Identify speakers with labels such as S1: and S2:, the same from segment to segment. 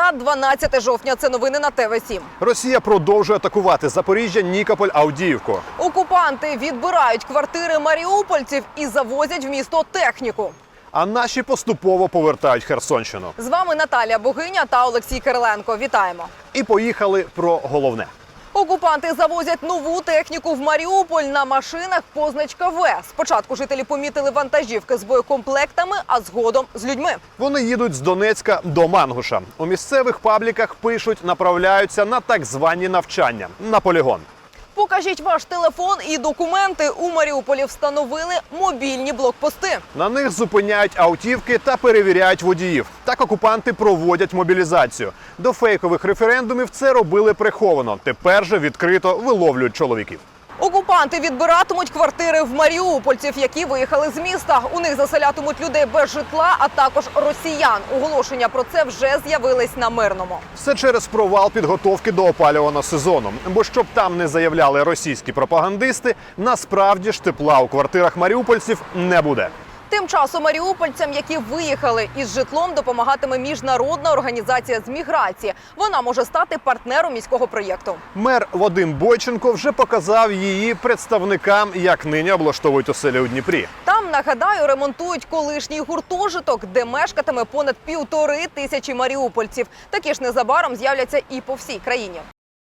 S1: Середа, 12 жовтня. Це новини на ТВ7.
S2: Росія продовжує атакувати Запоріжжя, Нікополь, Авдіївку.
S1: Окупанти відбирають квартири маріупольців і завозять в місто техніку.
S2: А наші поступово повертають Херсонщину.
S1: З вами Наталія Богиня та Олексій Кириленко. Вітаємо.
S2: І поїхали про головне.
S1: Окупанти завозять нову техніку в Маріуполь на машинах позначка В. Спочатку жителі помітили вантажівки з боєкомплектами, а згодом з людьми.
S2: Вони їдуть з Донецька до Мангуша. У місцевих пабліках пишуть, направляються на так звані навчання, на полігон.
S1: Покажіть ваш телефон і документи. У Маріуполі встановили мобільні блокпости.
S2: На них зупиняють автівки та перевіряють водіїв. Так окупанти проводять мобілізацію. До фейкових референдумів це робили приховано. Тепер же відкрито виловлюють чоловіків.
S1: Окупанти відбиратимуть квартири в маріупольців, які виїхали з міста. У них заселятимуть людей без житла, а також росіян. Оголошення про це вже з'явились на Мирному.
S2: Все через провал підготовки до опалювального сезону. Бо щоб там не заявляли російські пропагандисти, насправді ж тепла у квартирах маріупольців не буде.
S1: Тим часом маріупольцям, які виїхали із житлом, допомагатиме міжнародна організація з міграції. Вона може стати партнером міського проєкту.
S2: Мер Вадим Бойченко вже показав її представникам, як нині облаштовують оселі у Дніпрі.
S1: Там, нагадаю, ремонтують колишній гуртожиток, де мешкатиме понад 1500 маріупольців. Такі ж незабаром з'являться і по всій країні.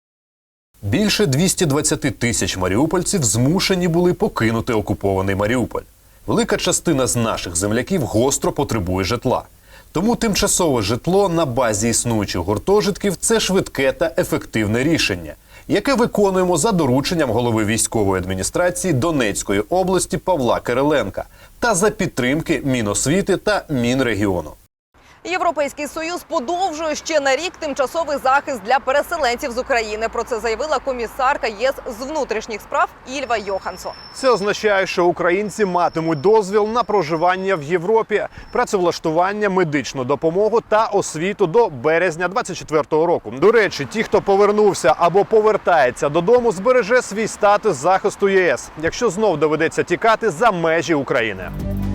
S3: Більше 220 тисяч маріупольців змушені були покинути окупований Маріуполь. Велика частина з наших земляків гостро потребує житла. Тому тимчасове житло на базі існуючих гуртожитків – це швидке та ефективне рішення, яке виконуємо за дорученням голови військової адміністрації Донецької області Павла Кириленка та за підтримки Міносвіти та Мінрегіону.
S1: Європейський Союз подовжує ще на рік тимчасовий захист для переселенців з України. Про це заявила комісарка ЄС з внутрішніх справ Ільва Йоханссон.
S2: Це означає, що українці матимуть дозвіл на проживання в Європі, працевлаштування, медичну допомогу та освіту до березня 2024 року. До речі, ті, хто повернувся або повертається додому, збереже свій статус захисту ЄС, якщо знов доведеться тікати за межі України.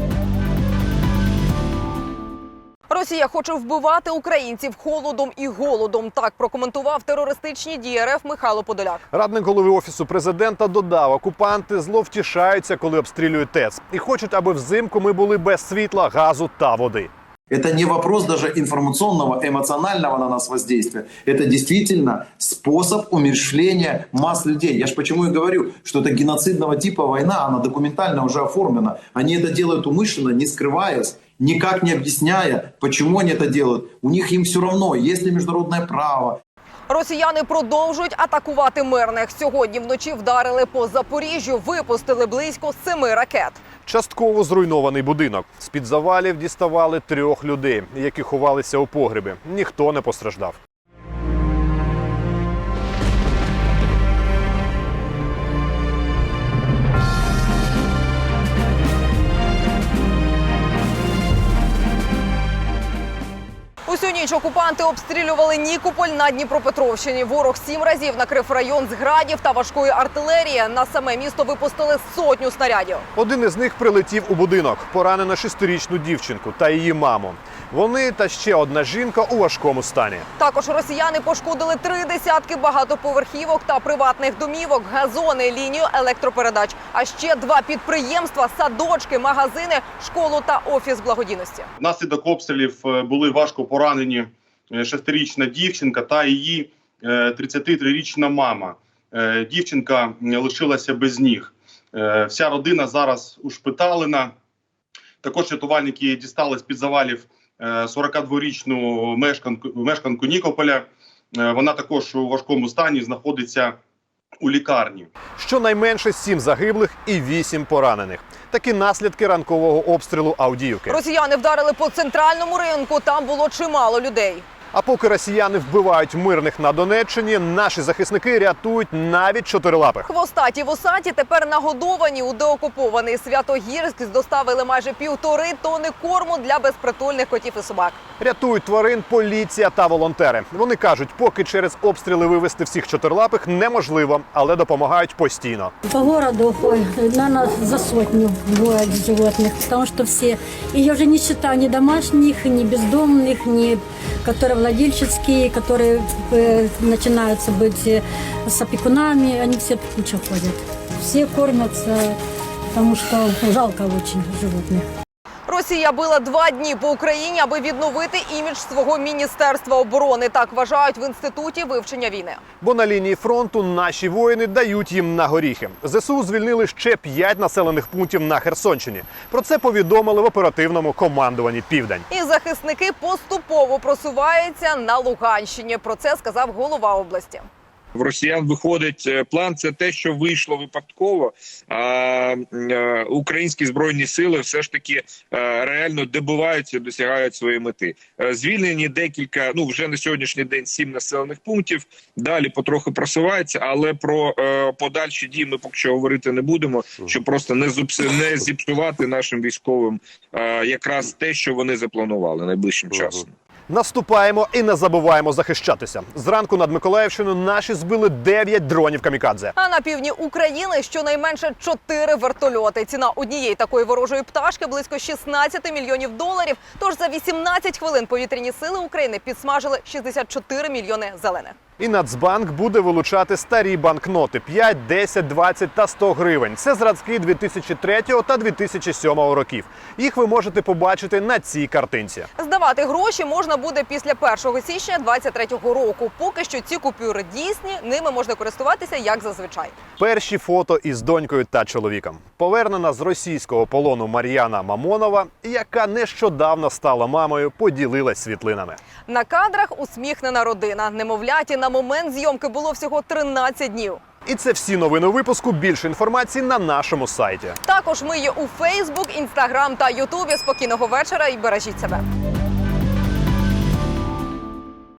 S1: Росія хоче вбивати українців холодом і голодом. Так прокоментував терористичні дії РФ Михайло Подоляк.
S2: Радник голови Офісу президента додав, окупанти зловтішаються, коли обстрілюють ТЕЦ. І хочуть, аби взимку ми були без світла, газу та води.
S4: Это не вопрос даже информационного, эмоционального на нас воздействия. Это действительно способ умерщвления масс людей. Я ж почему и говорю, что это геноцидного типа война, она документально уже оформлена. Они это делают умышленно, не скрываясь, никак не объясняя, почему они это делают. У них им все равно, есть ли международное право.
S1: Росіяни продовжують атакувати мирних. Сьогодні вночі вдарили по Запоріжжю, випустили близько 7 ракет.
S2: Частково зруйнований будинок. З-під завалів діставали 3 людей, які ховалися у погребі. Ніхто не постраждав.
S1: Усю ніч окупанти обстрілювали Нікополь на Дніпропетровщині. Ворог 7 разів накрив район з градів та важкої артилерії. На саме місто випустили 100 снарядів.
S2: Один із них прилетів у будинок. Поранено 6-річну дівчинку та її маму. Вони та ще одна жінка у важкому стані.
S1: Також росіяни пошкодили 3 десятки багатоповерхівок та приватних домівок, газони, лінію електропередач. А ще 2 підприємства, садочки, магазини, школу та офіс благодійності.
S5: Внаслідок обстрілів були важко поранені 6-річна дівчинка та її 33-річна мама. Дівчинка лишилася без ніг. Вся родина зараз ушпиталена. Також рятувальники дістали з-під завалів 42-річну мешканку Нікополя. Вона також у важкому стані, знаходиться у лікарні.
S2: Щонайменше 7 загиблих і 8 поранених. Такі наслідки ранкового обстрілу Авдіївки.
S1: Росіяни вдарили по центральному ринку, там було чимало людей.
S2: А поки росіяни вбивають мирних на Донеччині, наші захисники рятують навіть чотирилапих.
S1: Хвостаті вусаті тепер нагодовані. У деокупований Святогірськ доставили майже 1,5 тонни корму для безпритульних котів і собак.
S2: Рятують тварин поліція та волонтери. Вони кажуть, поки через обстріли вивезти всіх чотирилапих неможливо, але допомагають постійно.
S6: По городу, наверное, за 100 бывает животных, потому что все, и я уже не считаю ни домашних, ни бездомных, ни которые молодильческие, которые начинаются быть с опекунами, они все в кучу ходят. Все кормятся, потому что жалко очень животных.
S1: Росія била 2 дні по Україні, аби відновити імідж свого Міністерства оборони. Так вважають в Інституті вивчення війни.
S2: Бо на лінії фронту наші воїни дають їм на горіхи. ЗСУ звільнили ще 5 населених пунктів на Херсонщині. Про це повідомили в оперативному командуванні «Південь».
S1: І захисники поступово просуваються на Луганщині. Про це сказав голова області.
S7: В росіян виходить план, це те, що вийшло випадково, а українські збройні сили все ж таки реально добиваються, досягають своєї мети. Звільнені декілька, вже на сьогоднішній день 7 населених пунктів, далі потроху просуваються, але про подальші дії ми поки що говорити не будемо, щоб просто не зіпсувати нашим військовим якраз те, що вони запланували найближчим часом.
S2: Наступаємо і не забуваємо захищатися. Зранку над Миколаївщиною наші збили 9 дронів камікадзе.
S1: А на півдні України щонайменше 4 вертольоти. Ціна однієї такої ворожої пташки близько 16 мільйонів доларів. Тож за 18 хвилин повітряні сили України підсмажили 64 мільйони зелених.
S2: І Нацбанк буде вилучати старі банкноти – 5, 10, 20 та 100 гривень. Це зразки 2003 та 2007 років. Їх ви можете побачити на цій картинці.
S1: Здавати гроші можна буде після 1 січня 2023 року. Поки що ці купюри дійсні, ними можна користуватися як зазвичай.
S2: Перші фото із донькою та чоловіком. Повернена з російського полону Мар'яна Мамонова, яка нещодавно стала мамою, поділилась світлинами.
S1: На кадрах усміхнена родина. Немовляті на момент зйомки було всього 13 днів.
S2: І це всі новини випуску. Більше інформації на нашому сайті.
S1: Також ми є у Фейсбук, Інстаграм та Ютубі. Спокійного вечора і бережіть себе.